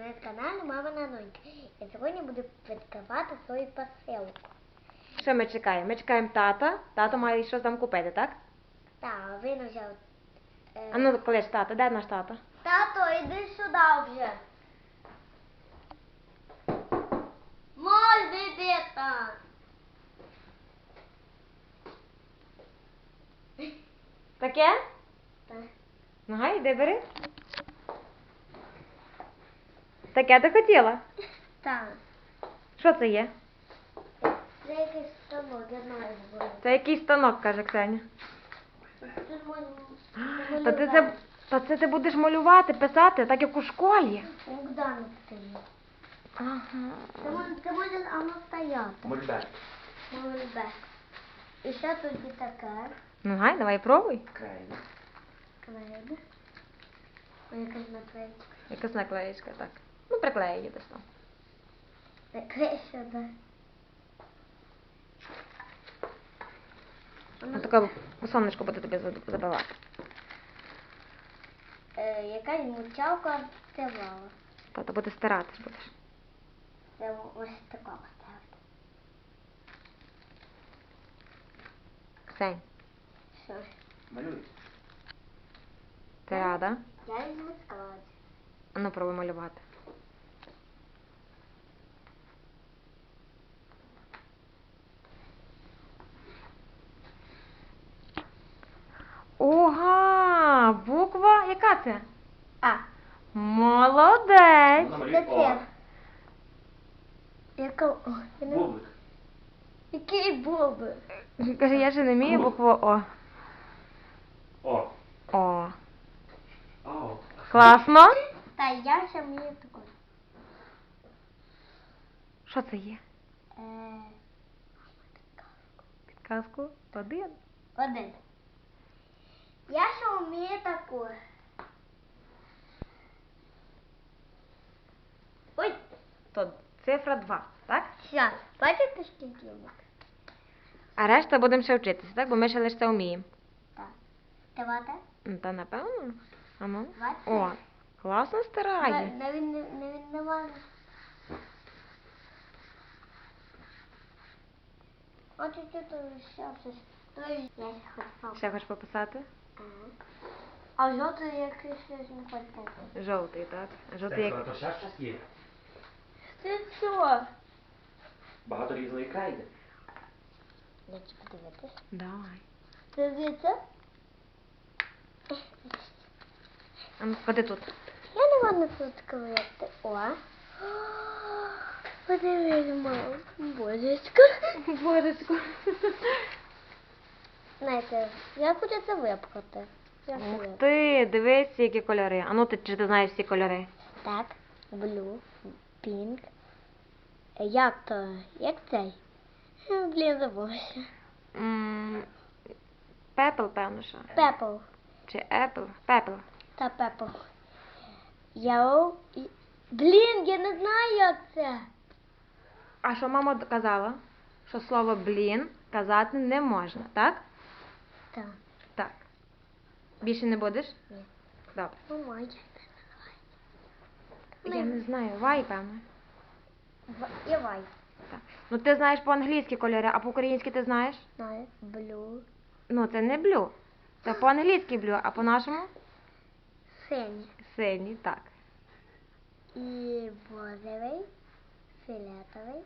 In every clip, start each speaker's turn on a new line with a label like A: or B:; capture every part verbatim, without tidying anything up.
A: на каналі Мамина Донька. Я сьогодні буду відкривати свою посилку.
B: Що ми чекаємо? Ми чекаємо тата. Тато має щось там купити, так?
A: Так, він взяв. Е...
B: А ну, коли ж тато? Де наш тато?
A: Тато, йди сюди вже. Можна йди там.
B: Таке?
A: Так.
B: Ну, гай, йди бери. Таке ти хотіла?
A: Так. Що
B: Що це є?
A: Це якийсь станок, я знаю.
B: Це якийсь станок, каже Ксеня.
A: Тут можна
B: Та ти це, та це ти будеш малювати, писати, так як у школі.
A: Богдан стоїть.
B: Ага.
A: Ти можеш, ти можеш воно стояти.
C: Мольберт.
A: Мольберт. І ще тут і таке.
B: Ну, гай, давай пробуй.
C: Крейда.
A: Клейда. Ой, якась наклейка.
B: Якась наклеїчка, так. Ну, приклеїй її десь там.
A: Наклей сюди.
B: Ну, таке сонечко буде тобі забивати.
A: Е, якась мучалка стирала.
B: Тато буде стиратись будеш.
A: Це ось такого ставити.
B: Ксень,
A: Що?
C: Малюй.
B: ти рада?
A: Я візьму склад.
B: А ну, пробуй малювати. Ога! Буква, яка це?
A: А.
B: Молодець!
C: Намалюй
A: Це
C: О.
A: це. Яка? О, я не...
C: Бублик.
A: Який боби?
B: Каже, я ще не вмію букву О.
C: О.
B: О.
C: О.
B: Класно?
A: Та я ще вмію таку.
B: Що це є?
A: Е,
B: Підказку? Один.
A: один. Я ще вмію таку. Ой,
B: То цифра два, так?
A: щас. Бачите, скільки їх?
B: А решта будемо ще вчитися, так? Бо ми ще лише це вміємо.
A: Так. Давайте.
B: Ну, та напевно. А ну.
A: Бачите?
B: О, класно стирає.
A: Навіть не навіть немає. От і тут ще щось. То я ще хочу.
B: Ще хочеш пописати?
A: Ага. А жовтий якийсь щось не хоче.
B: Жовтий, так? Жовтий
C: Це
B: як...
C: то ще щось є.
A: Це що?
C: Багато різної крейди.
A: Дайте подивитись.
B: Давай.
A: Це звідси?
B: А ну, ходи тут.
A: Я не можу тут клеїти. О. Подивись, мам. Божечко.
B: Божечко.
A: Знаєте, я хочу це випхати. Я
B: Ух
A: випхаю.
B: ти, дивись, які кольори. А ну, ти, чи ти знаєш всі кольори?
A: Так, блю, пінк. Е, Як то? Як цей? Е, Блін, забувся.
B: М, Пепл, певно, що.
A: Пепл.
B: Чи Епл? Пепл.
A: Та пепл. Яу. і- Блін, я не знаю, як це.
B: А що мама казала? Що слово блін казати не можна, так?
A: Так.
B: Так. Більше не будеш?
A: Ні.
B: Добре.
A: Ну, май.
B: Я не знаю, вай, певно.
A: В- І вай.
B: Так. Ну ти знаєш по-англійськи кольори, а по-українськи ти знаєш?
A: Знаю. Блю.
B: Ну, це не блю. Це по-англійськи блю, а по-нашому?
A: Синій.
B: Синій, так.
A: І бозовий. Фіолетовий.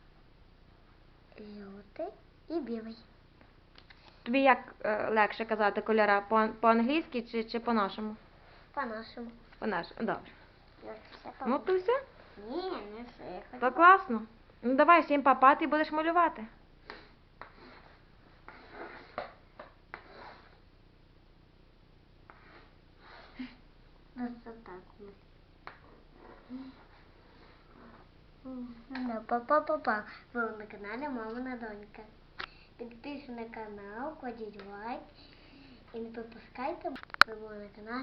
A: Жовтий. І білий.
B: Тобі як е, легше казати кольора? По- По-англійськи чи, чи по-нашому?
A: По-нашому.
B: По-нашому, добре.
A: Я все по-
B: Ну, то все.
A: Ні, не все. Я хочу.
B: То класно. Ну, давай всім папа, ти будеш малювати.
A: Ну, це так. Ну, па-па-па-па. Ви на каналі Мамина Донька. Підписуйтесь на канал, кладіть лайк і не пропускайте. Ви були на каналі